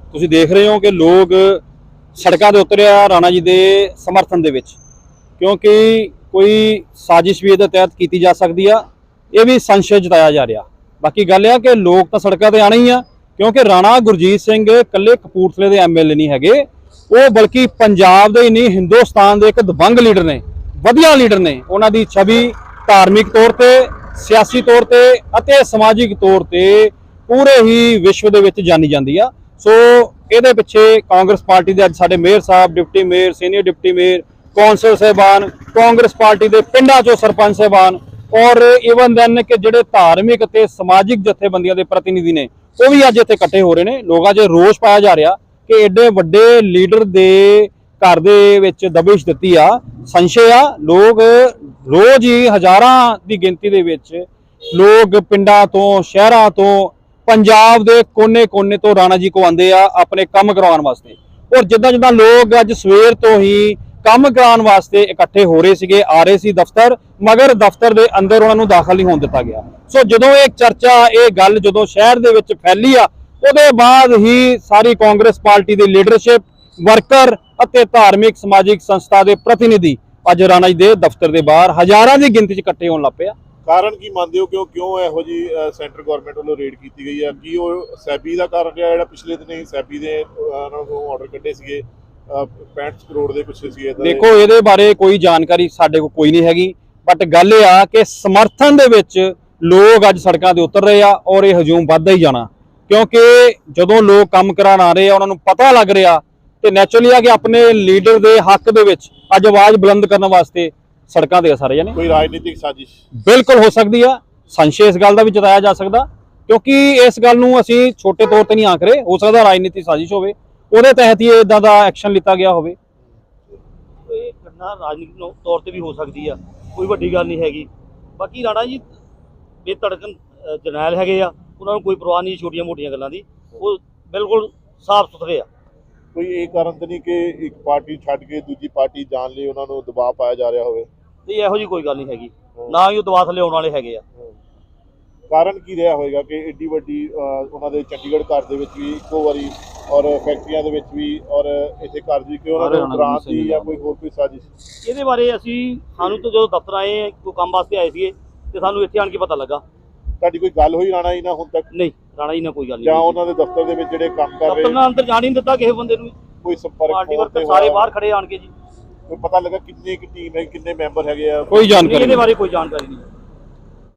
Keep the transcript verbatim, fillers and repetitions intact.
ਤੁਸੀਂ ਦੇਖ ਰਹੇ ਹੋ ਕਿ ਲੋਕ ਸੜਕਾਂ ਦੇ ਉਤਰੇ ਆ ਰਾਣਾ ਜੀ ਦੇ ਸਮਰਥਨ ਦੇ ਵਿੱਚ, ਕਿਉਂਕਿ ਕੋਈ ਸਾਜ਼ਿਸ਼ ਵੀ ਇਹਦੇ ਤਹਿਤ ਕੀਤੀ ਜਾ ਸਕਦੀ ਆ, ਇਹ ਵੀ ਸੰਸ਼य ਜਤਾਇਆ ਜਾ ਰਿਹਾ। ਬਾਕੀ ਗੱਲ ਇਹ ਆ ਕਿ ਲੋਕ ਤਾਂ ਸੜਕਾਂ ਤੇ ਆਣੇ ਹੀ ਆ, ਕਿਉਂਕਿ ਰਾਣਾ ਗੁਰਜੀਤ ਸਿੰਘ ਇਕੱਲੇ ਕਪੂਰਥਲੇ ਦੇ ਐਮਐਲਏ ਨਹੀਂ ਹੈਗੇ, ਉਹ ਬਲਕਿ ਪੰਜਾਬ ਦੇ ਹੀ ਨਹੀਂ ਹਿੰਦੁਸਤਾਨ ਦੇ ਇੱਕ ਦਬੰਗ ਲੀਡਰ ਨੇ, ਵਧੀਆ ਲੀਡਰ ਨੇ। ਉਹਨਾਂ ਦੀ ਛਵੀ ਧਾਰਮਿਕ ਤੌਰ ਤੇ, ਸਿਆਸੀ ਤੌਰ ਤੇ ਅਤੇ ਸਮਾਜਿਕ ਤੌਰ ਤੇ ਪੂਰੇ ਹੀ ਵਿਸ਼ਵ ਦੇ ਵਿੱਚ ਜਾਣੀ ਜਾਂਦੀ ਆ। ਸੋ ਇਹਦੇ ਪਿੱਛੇ ਕਾਂਗਰਸ ਪਾਰਟੀ ਦੇ ਅੱਜ ਸਾਡੇ ਮੇਅਰ ਸਾਹਿਬ, deputy mayor, senior deputy mayor, council ਸਾਹਿਬਾਨ, ਕਾਂਗਰਸ ਪਾਰਟੀ ਦੇ ਪਿੰਡਾਂ ਚੋਂ ਸਰਪੰਚ ਸਾਹਿਬਾਨ ਔਰ ਈਵਨ ਦੈਨ ਕਿ ਜਿਹੜੇ ਧਾਰਮਿਕ ਅਤੇ ਸਮਾਜਿਕ ਜਥੇਬੰਦੀਆਂ ਦੇ ਪ੍ਰਤੀਨਿਧੀ ਨੇ, ਉਹ ਵੀ ਅੱਜ ਇੱਥੇ ਇਕੱਠੇ ਹੋ ਰਹੇ ਨੇ। ਲੋਕਾਂ 'ਚ ਰੋਸ ਪਾਇਆ ਜਾ ਰਿਹਾ ਕਿ ਐਡੇ ਵੱਡੇ ਲੀਡਰ ਦੇ ਘਰ ਦੇ ਵਿੱਚ ਦਬਿਸ਼ ਦਿੱਤੀ ਆ, ਸੰਸ਼ੇ ਆ। ਲੋਕ ਰੋਜ਼ ਹੀ ਹਜ਼ਾਰਾਂ ਦੀ ਗਿਣਤੀ ਦੇ ਵਿੱਚ ਲੋਕ ਪਿੰਡਾਂ ਤੋਂ, ਸ਼ਹਿਰਾਂ ਤੋਂ, ਪੰਜਾਬ ਦੇ ਕੋਨੇ-ਕੋਨੇ ਤੋਂ ਰਾਣਾ ਜੀ ਕੋ ਆਉਂਦੇ ਆ ਆਪਣੇ ਕੰਮ ਕਰਵਾਉਣ ਵਾਸਤੇ। ਔਰ ਜਿੱਦਾਂ ਜਿੱਦਾਂ ਲੋਕ ਅੱਜ ਸਵੇਰ ਤੋਂ ਹੀ ਕੰਮ ਕਰਾਉਣ ਵਾਸਤੇ ਇਕੱਠੇ ਹੋ ਰਹੇ ਸੀਗੇ, ਆ ਰਹੇ ਸੀ ਦਫ਼ਤਰ, ਮਗਰ ਦਫ਼ਤਰ ਦੇ ਅੰਦਰ ਉਹਨਾਂ ਨੂੰ ਦਾਖਲ ਨਹੀਂ ਹੋਣ ਦਿੱਤਾ ਗਿਆ। ਸੋ ਜਦੋਂ ਇਹ ਚਰਚਾ, ਇਹ ਗੱਲ ਜਦੋਂ ਸ਼ਹਿਰ ਦੇ ਵਿੱਚ ਫੈਲੀ ਆ, ਉਹਦੇ ਬਾਅਦ ਹੀ ਸਾਰੀ ਕਾਂਗਰਸ ਪਾਰਟੀ ਦੀ ਲੀਡਰਸ਼ਿਪ, ਵਰਕਰ ਅਤੇ ਧਾਰਮਿਕ ਸਮਾਜਿਕ ਸੰਸਥਾ ਦੇ ਪ੍ਰਤੀਨਿਧੀ ਅੱਜ ਰਾਣਾ ਜੀ ਦੇ ਦਫ਼ਤਰ ਦੇ ਬਾਹਰ ਹਜ਼ਾਰਾਂ ਦੀ ਗਿਣਤੀ 'ਚ ਇਕੱਠੇ ਹੋਣ ਲੱਗ ਪਏ ਆ। ਕਾਰਨ ਕੀ ਮੰਨਦੇ ਹੋ, ਕਿਉਂ ਕਿਉਂ ਇਹੋ ਜੀ ਸੈਂਟਰ ਗਵਰਨਮੈਂਟ ਵੱਲੋਂ ਰੇਡ ਕੀਤੀ ਗਈ ਹੈ? ਕੀ ਉਹ ਸੈਬੀ ਦਾ ਕਾਰਨ ਰਿਹਾ, ਜਿਹੜਾ ਪਿਛਲੇ ਦਿਨੀ ਸੈਬੀ ਦੇ ਉਹਨਾਂ ਨੂੰ ਆਰਡਰ ਕੱਢੇ ਸੀਗੇ ਪੈਂਹਠ ਕਰੋੜ ਦੇ ਪਿੱਛੇ ਸੀਗੇ? ਦੇਖੋ, ਇਹਦੇ ਬਾਰੇ ਕੋਈ ਜਾਣਕਾਰੀ ਸਾਡੇ ਕੋਲ ਕੋਈ ਨਹੀਂ ਹੈਗੀ, ਬਟ ਗੱਲ ਇਹ ਆ ਕਿ ਸਮਰਥਨ ਦੇ ਵਿੱਚ ਲੋਕ ਅੱਜ ਸੜਕਾਂ ਤੇ ਉਤਰ ਰਹੇ ਆ ਔਰ ਇਹ ਹਜੂਮ ਵੱਧਦਾ ਹੀ ਜਾਣਾ, ਕਿਉਂਕਿ ਜਦੋਂ ਲੋਕ ਕੰਮ ਕਰਾਉਣ ਆ ਰਹੇ ਆ, ਉਹਨਾਂ ਨੂੰ ਪਤਾ ਲੱਗ ਰਿਹਾ ਤੇ ਨੈਚੁਰਲੀ ਆ ਕਿ ਆਪਣੇ ਲੀਡਰ ਦੇ ਹੱਕ ਦੇ ਵਿੱਚ ਅੱਜ ਆਵਾਜ਼ ਬੁਲੰਦ ਕਰਨ ਵਾਸਤੇ ਸੜਕਾਂ ਤੇ ਆ ਸਾਰੇ ਜਣੇ। ਕੋਈ ਰਾਜਨੀਤਿਕ ਸਾਜ਼ਿਸ਼ ਬਿਲਕੁਲ ਹੋ ਸਕਦੀ ਆ, ਸੰਸ਼ੇ ਇਸ ਗੱਲ ਦਾ ਵੀ ਜਤਾਇਆ ਜਾ ਸਕਦਾ, ਕਿਉਂਕਿ ਇਸ ਗੱਲ ਨੂੰ ਅਸੀਂ ਛੋਟੇ ਤੌਰ ਤੇ ਨਹੀਂ ਆਖ ਰਹੇ। ਹੋ ਸਕਦਾ ਰਾਜਨੀਤਿਕ ਸਾਜ਼ਿਸ਼ ਹੋਵੇ, ਉਹਦੇ ਤਹਿਤ ਹੀ ਇਦਾਂ ਦਾ ਐਕਸ਼ਨ ਲਿੱਤਾ ਗਿਆ ਹੋਵੇ। ਇਹ ਘਟਨਾ ਰਾਜਨੀਤਿਕ ਤੌਰ ਤੇ ਵੀ ਹੋ ਸਕਦੀ ਆ, ਕੋਈ ਵੱਡੀ ਗੱਲ ਨਹੀਂ ਹੈਗੀ। ਬਾਕੀ ਰਾਣਾ ਜੀ ਬੇਧੜਕ ਜਰਨੈਲ ਹੈਗੇ ਆ, ਉਹਨਾਂ ਨੂੰ ਕੋਈ ਪਰਵਾਹ ਨਹੀਂ ਛੋਟੀਆਂ ਮੋਟੀਆਂ ਗੱਲਾਂ ਦੀ, ਉਹ ਬਿਲਕੁਲ ਸਾਫ਼ ਸੁਥਰੇ ਆ। ਕੋਈ ਇਹ ਕਾਰਨ ਤਾਂ ਨਹੀਂ ਕਿ ਇੱਕ ਪਾਰਟੀ ਛੱਡ ਕੇ ਦੂਜੀ ਪਾਰਟੀ ਜਾਣ ਲਈ ਉਹਨਾਂ ਨੂੰ ਦਬਾਅ ਪਾਇਆ ਜਾ ਰਿਹਾ ਹੋਵੇ? ਨਹੀਂ, ਇਹੋ ਜਿਹੀ ਕੋਈ ਗੱਲ ਨਹੀਂ ਹੈਗੀ, ਨਾ ਹੀ ਉਹ ਦਬਾਅ ਥੱਲੇ ਆਉਣ ਵਾਲੇ ਹੈਗੇ ਆ। ਕਾਰਨ ਕੀ ਰਿਹਾ ਹੋਵੇਗਾ ਕਿ ਏਡੀ ਵੱਡੀ ਉਹਨਾਂ ਦੇ ਚੰਡੀਗੜ੍ਹ ਘਰ ਦੇ ਵਿੱਚ ਵੀ ਇੱਕੋ ਵਾਰੀ ਔਰ ਫੈਕਟਰੀਆਂ ਦੇ ਵਿੱਚ ਵੀ ਔਰ ਇੱਥੇ ਘਰ ਵੀ, ਕਿ ਉਹਨਾਂ ਨੂੰ ਗ੍ਰਾਂਟ ਦੀ ਜਾਂ ਕੋਈ ਹੋਰ ਕੋਈ ਸਾਜ਼ਿਸ਼? ਇਹਦੇ ਬਾਰੇ ਅਸੀਂ ਸਾਨੂੰ ਤਾਂ ਜਦੋਂ ਦਫ਼ਤਰ ਆਏ, ਕੋਈ ਕੰਮ ਵਾਸਤੇ ਆਏ ਸੀਗੇ, ਤੇ ਸਾਨੂੰ ਇੱਥੇ ਆਣ ਕੇ ਪਤਾ ਲੱਗਾ। ਤੁਹਾਡੀ ਕੋਈ ਗੱਲ ਹੋਈ ਰਾਣਾ ਜੀ ਨਾਲ ਹੁਣ ਤੱਕ? ਨਹੀਂ, ਰਾਣਾ ਜੀ ਨਾਲ ਕੋਈ ਗੱਲ ਨਹੀਂ। ਜਾਂ ਉਹਨਾਂ ਦੇ ਦਫ਼ਤਰ ਦੇ ਵਿੱਚ ਜਿਹੜੇ ਕੰਮ ਕਰ ਰਹੇ, ਦਫ਼ਤਰ ਨਾਲ ਅੰਦਰ ਜਾਣ ਹੀ ਨਹੀਂ ਦਿੱਤਾ ਕਿਸੇ ਬੰਦੇ ਨੂੰ। ਕੋਈ ਸੰਪਰਕ? ਪਾਰਟੀ ਵਰਕਰ ਸਾਰੇ ਬਾਹਰ ਖੜੇ ਆਣ ਕੇ ਜੀ। ਕੋਈ ਪਤਾ ਲੱਗਾ ਕਿੰਨੀ ਕੁ ਟੀਮ ਹੈ, ਕਿੰਨੇ ਮੈਂਬਰ ਹੈਗੇ ਆ? ਕੋਈ ਜਾਣਕਾਰੀ ਇਹਦੇ ਬਾਰੇ ਕੋਈ ਜਾਣਕਾਰੀ ਨਹੀਂ।